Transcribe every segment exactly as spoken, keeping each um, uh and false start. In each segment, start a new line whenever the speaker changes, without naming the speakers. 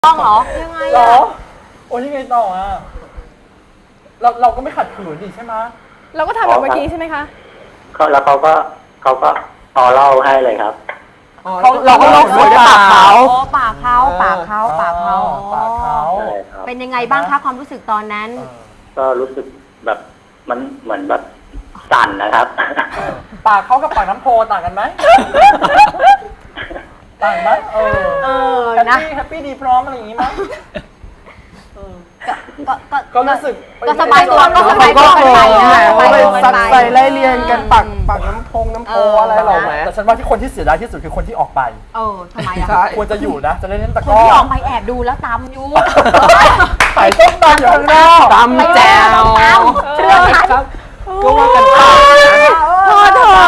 ต้องเหรอยังไงเหรอ
โอ้ยยังไงต่ออ่ะเราเราก็ไม่ขัดขืนดิใช่ไหม
เราก็ทำแบบเมื่อกี้ใช่ไหมคะ
เขาแล้วเขาก็เขาก็ต่อเล่าให้เลยครับ
เขาเราก็ลงสวยด้วยปากเขา
ปากเขาปากเขาปากเขา
ปากเขา
เป็นยังไงบ้างคะความรู้สึกตอนนั้น
ก็รู้สึกแบบมันเหมือนแบบสั่นนะครับ
ปากเขากับปากน้ำโพต่างกันไหมต่างไหมเออเออนะแฮปปี้ดีพร้อมอะไรอย่างงี้มั้ย
ก็ก็
ก็รู้สึก
ก็สบายตัวก็สบายตัวกันไปนะ
ไปซัดใส่ไล่เรียงกันปักปักน้ำพงน้ำโพอะไรหรอแหม
แต่ฉันว่าที่คนที่เสียดายที่สุดคือคนที่ออกไป
เออทำไมอ่ะ
ควรจะอยู่นะจะเล่นตะก้อ
คนที่ออกไปแอบดูแล้วตำอยู่
ใส่ส้มตำอยู่ข้างนอก
ตำแจ่ว
เชื่อฉัน
ก็ว่ากันไป
พอเถอะ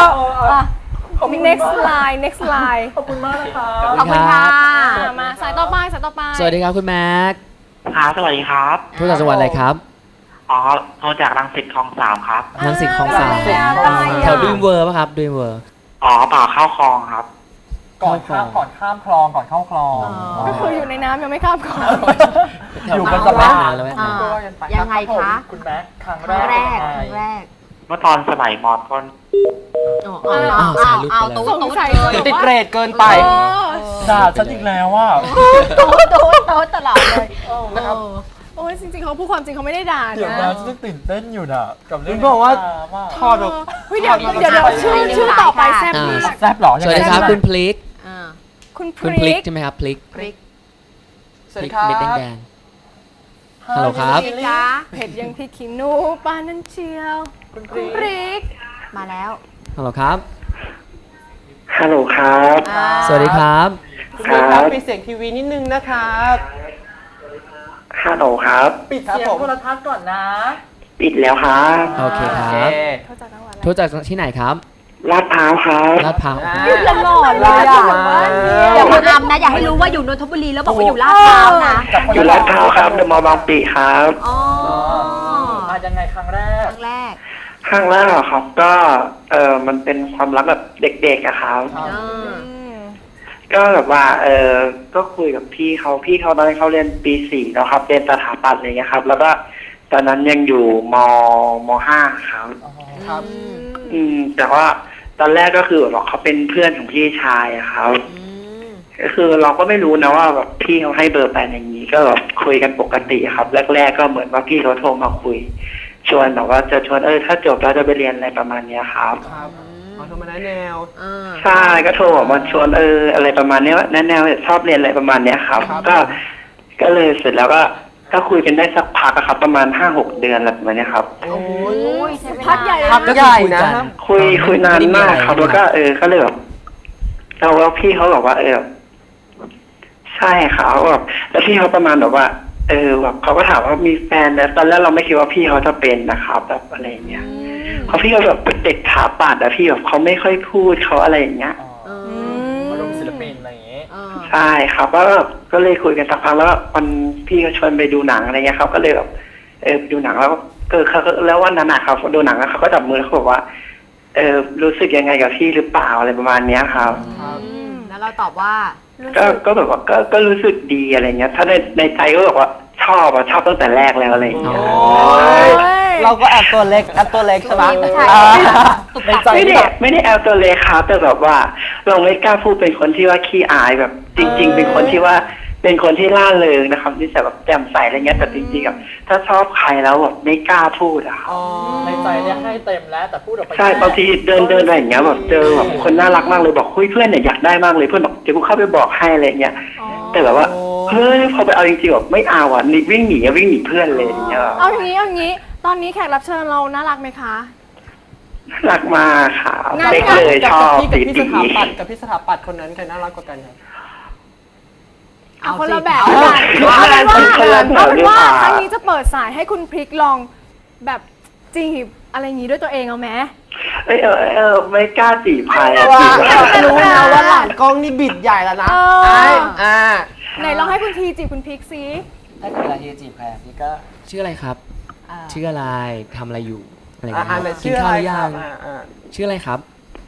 next line next line
ขอบคุณมากนะคะ
ขอบคุณค่ะ
มาสายต่อไปสายต่อไป
สวัสดีครับคุณแม็ก
ครับสวัสดีครับ
โทรจากจังหวัดอะไรครับ
อ๋อโทรจากรังสิตคลองสามครับ
รังสิตคลองสามแถวดูมเวอร์ป่ะครับดูมเวอร์
อ๋อเปล่าเข้าคลองครับ
ก่อนข้ามก่อนข้ามคลองก่อนเข้าคลอง
ก็คืออยู่ในน้ำยังไม่ข้ามคลอง
อยู่กันกับแม่
แล้ว
ยังไงคะ
คุณแม็กครั้ง
แรกครั้งแรก
เมื่อตอนสมัยมอต้น
เอาเอาเอาตู้ตู้
ติดเรทเกินไป
ด่าฉันอีกแล้วว่า
ตู้ตู้ตู้ตลอดเลย
นะครับโอ้ยจริงๆเขาพูดความจริงเขาไม่ได้ด่านะ
เดี๋ยวนะฉันตื่นเต้นอยู่นะกับเรื่อง
บอกว่าทอดแบบ
เดี๋ยวเดี๋ยวเดี๋ยวชื่อชื่อต่อไปแซ่บมาก
แซ่บหรอ
สวัสดีครับคุณพลิก
คุณพ
ลิ
ก
ใช่ไหมครับพลิก
พลิก
สวัสดีครับ
เม็ดแดงฮัลโหลครับ
เผ็ดยังพริกขี้หนูปานั่นเชียวคุณพลิก
มาแล้ว
ฮัลโหลครับ
ฮัลโหลครับ
สวัสดีครับ
ครับมีเสียงทีวีนิดนึงนะครับ
ฮัลโหลครับ
ปิดเสียงโทรทัศน์ก่อนนะ
ปิดแล้วครับ
โอเคครับโทรจากที่ไหนครับ
ลาดพร้าวครับ
ลาดพร้าว
อยู่ตลอดเลยอ่ะอย่ามาทำนะอย่าให้รู้ว่าอยู่นนทบุรีแล้วบอกว่าอยู่ลาดพร้าวนะ
อยู่ลาดพร้าวครับเดอะมอลล์บางปีครับ
อ๋อ
มายังไงครั้งแรก
ครั้งแรก
ครั้งแรกครับก็เออมันเป็นความรักแบบเด็กๆอะครับก็แบบว่าเออก็คุยกับพี่เขาพี่เขาตอนนั้นเขาเรียนปีสี่แล้วครับเรียนสถาปัตย์อะไรเงี้ยครับแล้วก็ตอนนั้นยังอยู่มมห้าครับ
ครับ
อืมแต่ว่าตอนแรกก็คือแบบเขาเป็นเพื่อนของพี่ชายอะครับก็คือเราก็ไม่รู้นะว่าแบบพี่เขาให้เบอร์แฟนอย่างนี้ก็แบบคุยกันปกติครับแรกๆก็เหมือนว่าพี่เขาโทรมาคุยชวนแบบว่าจะชวนเออถ้าจบแล้วจะไปเรียนอะไรประมาณนี้ครับ
ครับเอาโทรมาแนว
ใช่ก็โทรบอกมาชวนเอออะไรประมาณนี้ว่าแนวชอบเรียนอะไรประมาณนี้ครับก็ก็เลยเสร็จแล้วก็ก็คุยกันได้สักพักครับประมาณห้าหกเดือนอะไรประมาณนี้ครับ
โอ้ย
พักใหญ่
พักใหญ่นะ
คุยคุยนานมากครับแล้วก็เออก็เลยแบบเราแล้วพี่เขาบอกว่าเออใช่ครับแบบแล้วพี่เขาประมาณแบบว่าเออแบบเขาก็ถามว่ามีแฟนแล้วตอนแรกเราไม่คิดว่าพี่เขาจะเป็นนะครับแบบอะไรเงี้ยเขาพี่เขาแบบเป็นเด็กถาปัดอะพี่แบบเขาไม่ค่อยพูดเขาอะไรอย่างเงี้ย
มาลงศิลปินอะไรอย่างเงี้ย
ใช่ครับก็ก็เลยคุยกันสักพักแล้ววันพี่เขาชวนไปดูหนังอะไรเงี้ยครับก็เลยแบบเออดูหนังแล้วก็เขาแล้ววันนั้นนะครับดูหนังแล้วเขาก็จับมือเขาบอกว่าเออรู้สึกยังไงกับพี่หรือเปล่าอะไรประมาณเนี้ยครับ
แล้วเราตอบว่า
ก็ก็แบบว่าก็ก็รู้สึกดีอะไรเงี้ยถ้าในในใจก็บอกว่าชอบอะชอบตั้งแต่แรกแล้วอะไรอย่างเงี้ย
เราก็แอบตัวเล็กแอบตัวเล็กใช่ไหม
ในใจไม่ได้ไม่ได้แอบตัวเล็กครับแต่แบบว่าเราไม่กล้าพูดเป็นคนที่ว่าขี้อายแบบจริงๆเป็นคนที่ว่าเป็นคนที่ล่าเริงนะครับที่แบบแจ่มใสอะไรเงี้ยแต่จริงๆแบบถ้าชอบใครแล้วแบบไม่กล้าพูดอะครับ
ในใจเนี่ยให้เต็มแล้วแต่พูดออกไป
ใช่บางทีเดินเดินอะไรอย่างเงี้ยแบบเจอแบบคนน่ารักมากเลยบอกคุยเพื่อนเนี่ยอยากได้มากเลยเพื่อนบอกเดี๋ยวกูเข้าไปบอกให้อะไรเงี้ยแต่แบบว่าเฮ้ยพอไปเอาจริงๆแบบไม่เอาอ่ะนี่วิ่งหนีวิ่งหนีเพื่อนเลยอย่างเงี้ย
เอาอย่างนี้เอาอย่างนี้ตอนนี้แขกรับเชิญเราน่ารักไหมคะ
น่ารักมากค่ะเด็กเลยชอบ
กับพี่สถาปัตย์กับพี่สถาปัตย์คนนั้นใครน่ารักกว่ากันครับ
เอาคนละแบบกันเอาเป็นว่าครั้งนี้จะเปิดสายให้คุณพริกลองแบบจีบอะไรอย่างนี้ด้วยตัวเองเอาไหม
เออเออไม่กล้าจีบใคร
รู้นะว่าหลานกล้องนี่บิดใหญ่แล้วนะอ่า
ไหนลองให้คุณทีจีบคุณพริกซิ
ถ้าเกิดเวลาทีจีบใครพี่ก็ชื่ออะไรครับชื่ออะไรทำอะไรอยู่อะไรอย่างเงี้ยกินข้าวยังชื่ออะไรครับ
ช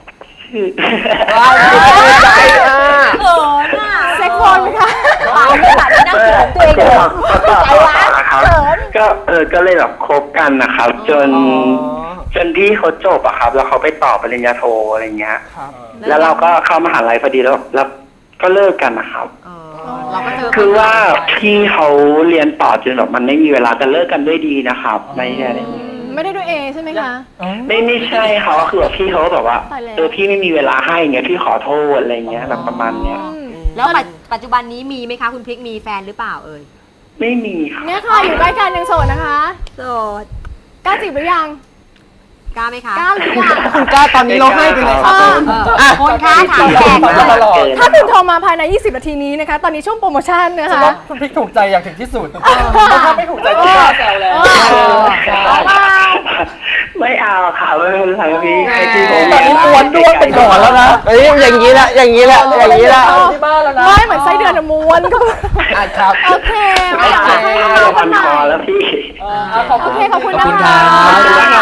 ชื่อ
ใจอ่ะ
เขินอ่ะ
เซ็กโฟนไหมคะ
เปล่าไม่ค่ะนั่งเขินตัวเองเลย
ใจวะก็เออก็เลยแบบคบกันนะครับ จนจนที่เขาจบอะครับ แล้วเขาไปต่อปริญญาโทอะไรเงี้ย
ครับ
แล้วเราก็เข้ามหาลัยพอดีแล้วแล้วก็เลิกกันนะครับ
เออเราก็เจอ
คือว่าพี่เขาเรียนต่อจนแบบมันไม่มีเวลาแต่เลิกกันด้วยดีนะครับไม่ใช่
ไม่ได้ด้วยเอใช่ไหมคะ
ไม่ไม่ใช่เขาคือแบบพี่เขาแบบว่า
ตายแล้ว
เออพี่ไม่มีเวลาให้เงี้ยพี่ขอโทษอะไรเงี้ยแบบประมาณเนี้ย
อืม
แล้วปัจปัจจุบันนี้มีไหมคะคุณพริกมีแฟนหรือเปล่าเอ่ย
ไม่มีครับ
เนี่ยค่ะอยู่ใกล้กันยังโสดนะคะ
โสด
กล้าจีบหรือยัง
กล้าไหมคะ
กล้าหรือยัง
คุณกล้าตอนนี้เราให้ไปเลยครับ
เออ
เออคนค้าถามแขก
มา
เลย
ตลอด
ถ้าคุณโทรมาภายใน ยี่สิบ นาทีนี้นะคะ ตอนนี้ช่วงโปรโมชั่นนะ
ฉัน
คะ
ว่าคุณพริกถูกใจอย่างถึงที่สุดถ้าไม่ถูกใจก็แซวแล้ว
ไม่เอาค่ะไม่เป็นไรพี่ให้พี่ผม
ตอนนี้ม้วนด้วงเป็นหนอนแล้วนะ
เอ้ยอย่างนี้แหละอย่างนี้แหละอย่างนี้แหละ
ที่บ้านแล้วนะ
ไม่เหมือนไส้เดือนอะม้วนก็
อ่ะครับ
โอเค
ไม่
ไม่อยาก
ใช่
ให้น้องๆค
พั
น
น
ไหน
คอแล้วพี่
ขอบ
โอ
คุณ
เคขอบคุณ
ขอบ
นะ
คุณ
คะ
ครับ
ขอบคุณครับ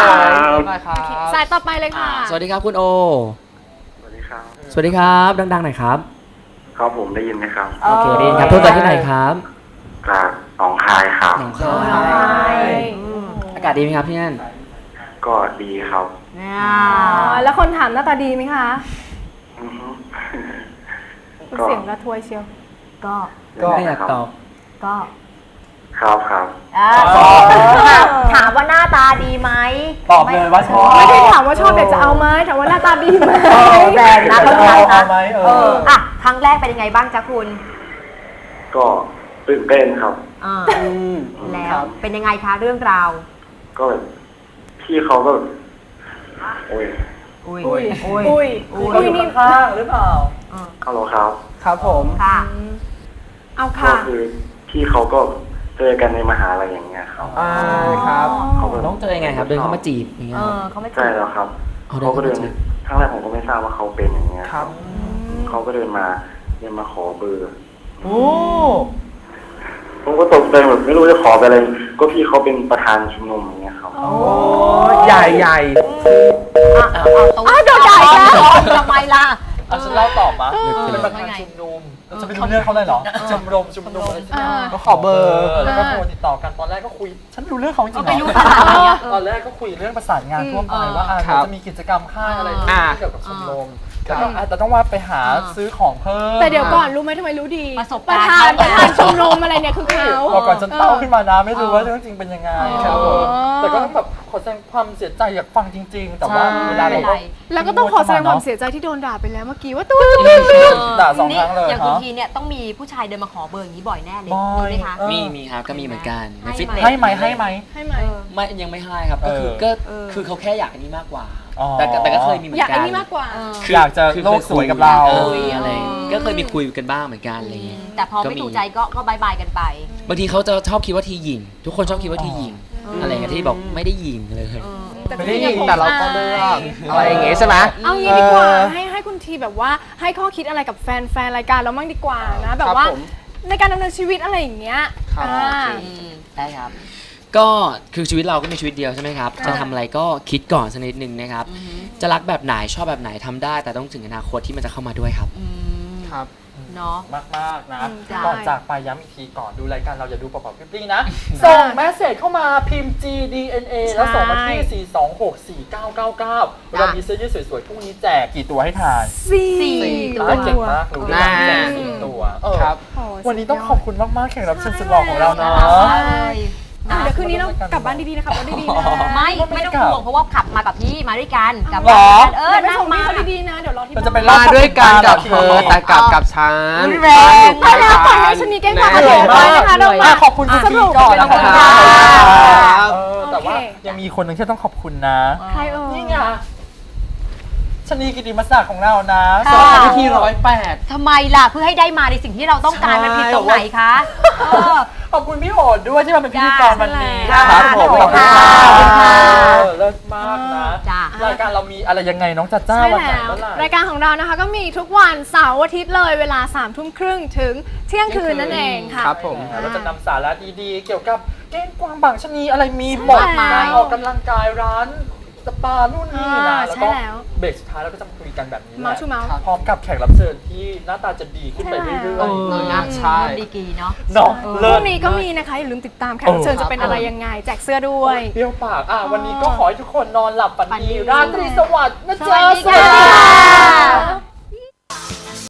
ได้ครับ
สายต่อไปเลยค่ะ
สวัสดีครับคุณโอ
สวัสดีครับ
สวัสดีครับดังๆหน่อยครับ
ครับผมได้ยินไหมครับ
โอเคดีครับโทรจากที่ไหนครับ
จากหนองคายครับ
หนองคายอากาศดีไหมครับที่นั่น
ก็ดีครับ
เนี่ย
อ๋อ แล้วคนถามหน้าตาดีไหมคะ
อือฮึ
คุณเสียงระทวยเชียว
ก็
ก็
ไม่อยากตอบ
ก็
ครับครับ
อ่าถามถามว่าหน้าตาดีไหม
ตอบเลยว่าชอบ
ไม่ได้ถามว่าชอบอยากจะเอาไหมถามว่าหน้าตาดีไหม
เออแรงนะเขา
เอา
ใจ
เอา
นะ
ไหมเอ
เอ
อ
ออ่ะครั้งแรกเป็นยังไงบ้างจ๊ะคุณ
ก็ตื่นเต้นครับ
อ่า
อืม
แล้วเป็นยังไงคะเรื่องราว
ก็แบบพี่เขาก็แบบโอ้ย
อุ้ย
อุ้ย
อุ้ย
อุ้ย
เรา
อุ้ย
อยู่
นี่
ข้างๆหรือเปล่า
ฮัลโหลครับ
ครับผม
ค่ะ
เอา
ก็
ค่ะ
คือพี่เขาก็เจอกันในมหาลัยอย่างเงี้ยครับ
อ่าครับ
เขาก็
ต้องเจอยังไงครับ เดินเข้ามาจีบอย่างเงี้
เอย
ครับ
อเขาไม่
ใช่แล้วครับ
เอาเดิน
เขาก็เดิน
เข้ามาจีบ
ครั้งแรกผมก็ไม่ทราบว่าเขาเป็นอย่างเงี้ย
ครับ
เขาก็เดินมาเดินมาขอเบอร์
โอ้
ผมก็ตกใจแบบไม่รู้จะขอไปอะไรก็พี่เขาเป็นประธานชุมนุมอย่างเงี้ยครับ
โอ้ใหญ่ใหญ่
อ่ะเอาเอาตรง
อ้าวโดนด่าอีกแล้ว
ทำไมล่ะ
อ่ะฉันเล่าตอบมา
เออ
เป็นประธานชุมนุมเราจะไปรู้เรื่องเขาเลยเหรอชมรมชุมนุมอะไรใช่ไหม
อ่า
ก็ขอเบอร์
แล้วก็โทรติดต่อกันตอนแรกก็คุย ฉันไม่รู้เรื่องเขาจริงๆ
ไม่
เหร
รู้
อ
ขนาดนี้อะเออ
ตอนแรกก็คุยเรื่องประสานงานทั่วไป
อืม
ว่าอ่ะ
ครับ
จะมีกิจกรรมค่ายอะไร
อ่า
ที่เกี่ยวกับชมรม
ครับ
แล้วก็อ่ะแต่ต้องว่าไปหา
อ่า
ซื้อของเพิ่ม
แต่เดี๋ยวก่อนรู้ไหมทำไมรู้ดี
ประสบ
ประ
การณ์
ธานประธานชมรมอะไรเนี่ยคือเขา
พอก่อนฉันเต้าขึ้นมานะไม่รู้ว่าเรื่องจริงเป็นยังไง
อ๋อ
ครับผมแต่ก็ต้องแบบขอแสดงความเสียใจอยากฟังจริง ๆ แต่ว่าเวลาเราก็
แล้วก็ต้องขอแสดงความเสียใจที่โดนด่าไปแล้วเมื่อกี้ว่าตู้ตู้
ด่าสองครั้งเลย
อย่างคุณ
ฮะ
ทีเนี่ยต้องมีผู้ชายเดินมาขอเบอร์อย่างนี้บ่อยแน่เลย
บ่อย
มีไหมคะ
เออ
มีมีครับก็มีเหมือนกันใน
ให้
ฟิต
ไหม
เนส
ให้ไหมให้ไหม
ให้ไหม
เออ
ไม่ยังไม่ให้ครับก็คือ
เออ
ก็
เออ
คือเขาแค่อยากอันนี้มากกว่า
อ๋อ
แต่ก็แต่ก็เคยมีเหมือน
อยาก
กั
ไอ้
น
นี่มากกว่า
เออ
คื
อยากจะ
คือ
โลกสวยกับเรา
อออะไรก็เคยมีคุยกันบ้างเหมือนกันอะไรอย่างเงี้ย
แต่พอไม่ถูกใจก็ก็บายบายกันไป
บางทีเขาจะชอบคิดว่าทีหญิง ทุกคนชอบคิดว่าทีหญิง
อ๋ออ
อะไรอย่างเงี้ยที่บอกไม่ได้หญิงเลย
เออ
ไม่ได้ยิงแต่เราก็เลือกอะไรอย่างเงี้ยใช่ไหม
เอางี้ดีกว่าให้ให้คุณทีแบบว่าให้ข้อคิดอะไรกับแฟนแฟนรายการเราบ้างดีกว่านะ แบบว่า
ครับผม
ในการดำเนินชีวิตอะไรอย่างเงี้ย
ครับ
อ่า
อืมได้ครับ
ก็คือชีวิตเราก็มีชีวิตเดียวใช่ไหมครับ
ค่ะ
จะทำอะไรก็คิดก่อนสักนิดนึงนะครับ จะรักแบบไหนชอบแบบไหนทำได้ แต่ต้องถึงอนาคตที่มันจะเข้ามาด้วยครับ
อืม
ครับ
เนาะ
มากมากๆนะ
อืมใช่
ก่อนจากไปย้ำอีกทีก่อนดูรายการเราอย่าดูเปล่าๆพริ้งๆนะ ส่งแมสเสจเข้ามาพิมพ์ จี ดี เอ็น เอ แล้วส่งมาที่ สี่ สอง หก สี่ เก้า เก้า เก้า เรามีเสื้อยืดสวยๆพรุ่งนี้แจกกี่ตัวให้ทาน
สี่
สี่
ตัว
อ่ะเก่งมากรู้ด้วย
น่า
แจกสี่ตัวเออ
ครับ
โอ้
วันนี้ต้องขอบคุณมากๆแขกรับเชิญสุดหล่อของเราเนาะ
อ่ะเดี๋ยวคืนนี้เรากลับบ้านดีๆนะครับรถดีๆนะ
ไม่ไม่ต้องห่วงเพราะว่าขับมากับพี่มาด้วยกันกลับ
หรอ
เออ
เดี๋ยวไป
นั่ง
ส่ง
มา
พี่เขาดีๆนะ เดี๋ยวรอที่
เรา
บ้าน
จะไป
มาด้วยกันกับเธอแต่กลับกับฉัน
แรง
ไปแล้วปล่อยให้ชนีแกล้งความ
เหนื่อย
ไป
มาก
นะคะเรา
อ่ะ
มา
ขอบคุณคุณพีก่อนนะ
ขอบคุณ
ค
ค่ะ
รับเออแต่ว่า
โอเค
ยังมีคนหนึ่งที่ต้องขอบคุณนะ
ใครเอ่ย
นี่ไงชนีกิติมศักดิ์ของเรานะ
ค่ะ
สอนที่ร้อยแปด
ทำไมล่ะเพื่อให้ได้มาในสิ่งที่เราต้องการ
ใช่
มันผิดตรงไหนคะเออ
ขอบคุณพี่โหดด้วยที่มาเป็นพิธีกรวันนี้
จ้า
ครับผม
ขอบคุณ
ข
ค่ะ
อบคุณค่ะ
ขอบคุณค่ะ
เออเลิศมากนะ
จ้าร
ายการเรามีอะไรยังไงน้องจัดจ้า
ใช่
วันไหน
แล้ว
เมื่อไหร่
รายการของเรานะคะก็มีทุกวันเสาร์อาทิตย์เลยเวลาสามทุ่มครึ่งถึงเที่ยงคืนนั่นเองค่ะ
ครับผม
เราจะนำสาระดีๆ เกี่ยวกับเก้งกวางบางชะนีอะไรมีหมด
ใช่แล้ว
การออกกำลังกายร้านสปานู่นนี่นะ
อ่า
แล้ว
ใช่
ก็
แล้ว
เบรกสุดท้ายเราก็จะมาคุยกันแบบนี้แห
เมา
ละ
ส์ชูเมาส์
พร้อมกับแขกรับเชิญที่หน้าตาจะดีขึ้นไปเรื่อย
เอ
ๆ
อนะ
ใช่
ดีกรีเนาะ
เนาะ
พ
เลิ
รุ่
ศ
งนี้ก็มีนะคะ อย่าลืมติดตามแขกรับเชิญจะเป็นอะไรยังไง แจกเสื้อด้วย
เปรี้ยวปากอ่ะวันนี้ก็ขอให้ทุกคนนอนหลับฝัน
ฝันดี
ดีราตรีสวัสดิ์นะ
ส
จ๊ะ
วัสดีค่ะ